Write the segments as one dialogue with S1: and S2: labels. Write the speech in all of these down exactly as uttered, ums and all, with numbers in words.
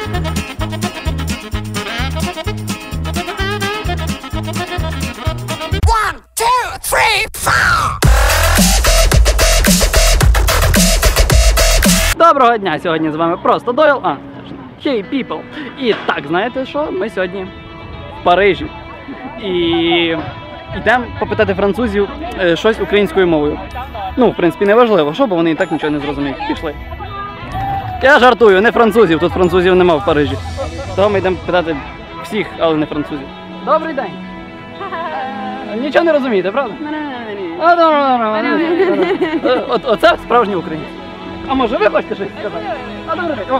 S1: One, two, three, four!
S2: Доброго дня! Сьогодні з вами просто Дойл. А, Hey people! І так, знаєте що? Ми сьогодні в Парижі. І йдемо попитати французів е, щось українською мовою. Ну, в принципі, не важливо, що, бо вони і так нічого не зрозуміють. Пішли. Я жартую, не французів, тут французів нема в Парижі. Того ми йдемо питати всіх, але не французів. Добрий день! Нічого не розумієте, правда? От, оце справжній українець. А може ви хочете щось сказати? А добрий день.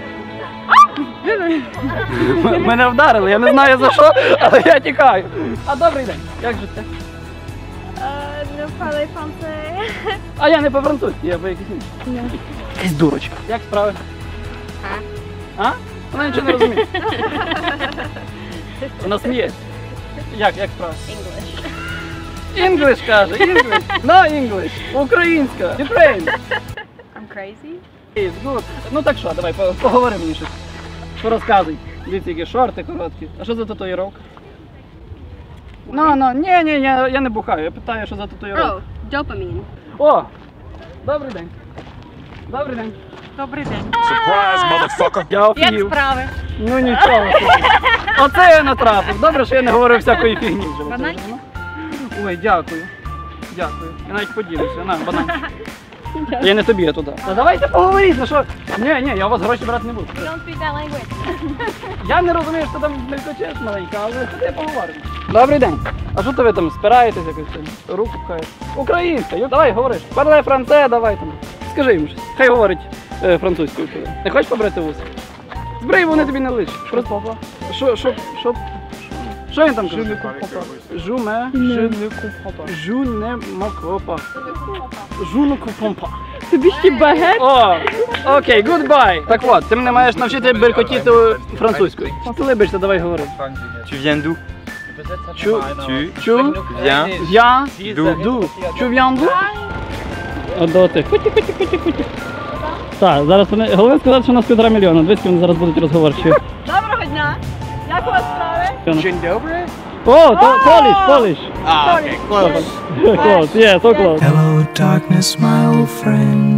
S2: О. Мене вдарили, я не знаю за що, але я тікаю. А добрий день. Як життя?
S3: Не впали французи.
S2: А я не по-французьки, я по якійсь іншій. Якась дурочка. Як справи? А? А? Вона нічого не розуміє. Вона сміється. Як, як справи? English. English каже, English. No English. Українська. Ukraine.
S3: I'm crazy.
S2: It's good. Ну так що, давай, поговори мені щось. Що розказуй? Дивіться, які шорти короткі. А що за татуїровка? Ну, ну, ні, ні, я, я не бухаю, я питаю, що за татуїровка.
S3: Oh, dopamine.
S2: О, добрий день. Добрий день.
S3: Добрий день.
S4: Surprise, motherfucker!
S2: Я
S3: Як
S2: офігів.
S3: справи?
S2: Ну нічого. Оце я натрапив. Добре, що я не говорив всякої фігні вже.
S3: Банан?
S2: Ой, дякую. Дякую. Я навіть поділюся. На, банан. Я не тобі, я туди. Та давайте поговоріть, ну що? Ні, ні, я у вас гроші брати не буду.
S3: You don't speak that language.
S2: Я не розумію, що там мелькочеш маленька, але ходи поговоримо. Добрий день. А що то ви там спираєтесь якось там? Руку пхаєте? Українська, ю- давай говориш. Парле франце, давай там. Скажи йому щось. Хай говорить е, французькою. Не хочеш побрити вуса? Збрий, вони тобі не личать. Просто. Що, що, що? Що він там каже? Жу ме, je ne comprends pas. Жу не макопа. Жу не comprends pas.
S3: Тобі ще багет?
S2: О, окей, goodbye. Так от, ти мене маєш навчити белькотіти французькою. Ти либишся, давай говори.
S4: Tu viens d'où?
S2: Чу,
S4: Tu
S2: чу,
S4: viens
S2: в'я,
S4: d'où?
S2: ду. Чу в'ян ду? От до тих. Хуті, хуті, хуті, хуті. Так, зараз вони, головне сказати, що у нас півтора мільйона. Дивіться, вони зараз будуть розговорчі.
S3: Доброго дня. Як у вас справи?
S4: Dzień dobry?
S2: О, то Поліш, Поліш.
S4: Ah, okay, close.
S2: Close, yeah, so close.
S5: Hello, darkness, my old friend.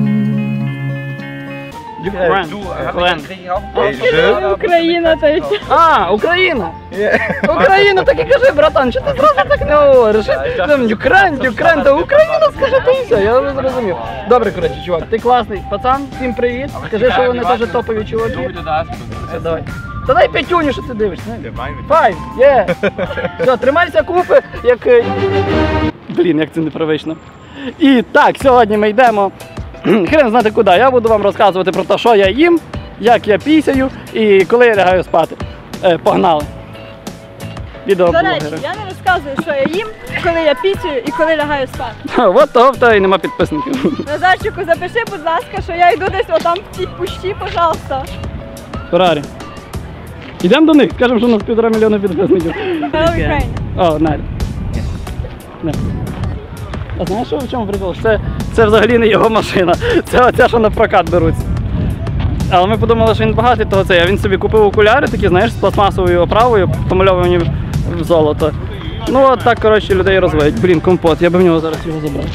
S3: Україна, та й все.
S2: А, Україна! Україна, так і кажи, братан, що ти зразу так не говориш? Там Юкрен, Юкрен, та Україна скажи, та і все, я вже зрозумів. Добре, коротше, чувак, ти класний пацан, всім привіт. Скажи, що вони теж топові чуваки. Все, давай. Та дай п'ятюню, що ти дивишся. Файв, є. Все, тримайся купи, як... е, Блін, як це непривично. І так, сьогодні ми йдемо, хрен знати куди, я буду вам розказувати про те, що я їм, як я пісяю і коли я лягаю спати. Е, погнали.
S3: До
S2: Відеоблогери.
S3: речі, я не розказую, що я їм, коли я пісюю і коли лягаю спати.
S2: От того в тебе і нема підписників.
S3: Назарчику, запиши, будь ласка, що я йду десь отам в цій пущі, пожалуйста.
S2: Феррарі. Йдемо до них, скажемо, що у нас півтора мільйона підписників.
S3: Hello, Ukraine.
S2: О, Надя. Не. А знаєш, що в чому прикол? Це, це взагалі не його машина. Це оця, що на прокат беруться. Але ми подумали, що він багатий того це. А він собі купив окуляри такі, знаєш, з пластмасовою оправою, помальовані в золото. Ну от так, коротше, людей розводять. Блін, компот, я би в нього зараз його забрав.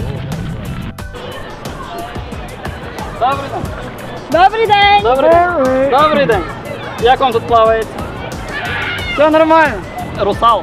S2: Добрий день.
S3: Добрий день!
S2: Добрий. Добрий день. Як вам тут плавається? Все нормально. Русал.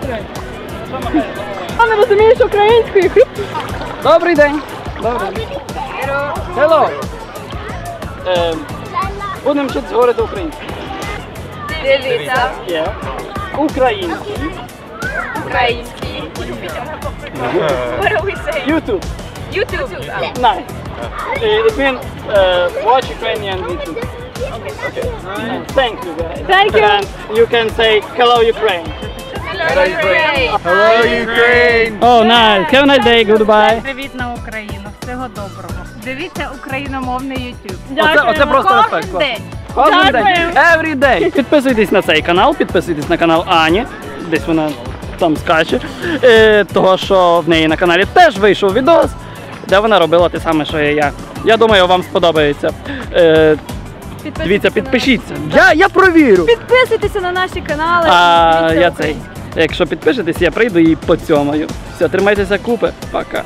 S3: Я не розумієш української.
S2: Добрий день. Добрий день. Hello. Ем, будемо вчитися говорити українською.
S3: Дивіться.
S2: Є. Український.
S3: Український. What do we say?
S2: YouTube.
S3: YouTube.
S2: Nice. It means uh, watch Ukrainian YouTube. Okay. Thank you guys.
S3: Thank you.
S2: And you can say hello Ukraine.
S3: Hello, Ukraine.
S4: Hello, Ukraine!
S2: Oh, nice. Have a nice day. Goodbye.
S6: Привіт на Україну, всього доброго. Дивіться україномовний YouTube.
S2: Оце, оце просто
S6: Кожен
S2: респект. клас.
S6: день.
S2: Кожен день.
S3: Дякую.
S2: Every day. Підписуйтесь на цей канал, підписуйтесь на канал Ані. Десь вона там скаче. Е, того, що в неї на каналі теж вийшов відос, де вона робила те саме, що і я. Я думаю, вам сподобається. Е, Дивіться, підпишіться. Я, я провірю.
S3: Підписуйтеся на наші канали.
S2: А
S3: Дивіться
S2: я цей.
S3: українське.
S2: Якщо підпишетесь, я прийду і поцьомаю. Все, тримайтеся купи. Пока.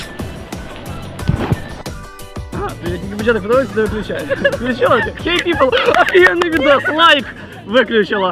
S2: Я тільки початок подивився, не виключаю. Включила? Hey people, офігенний відос, лайк виключила.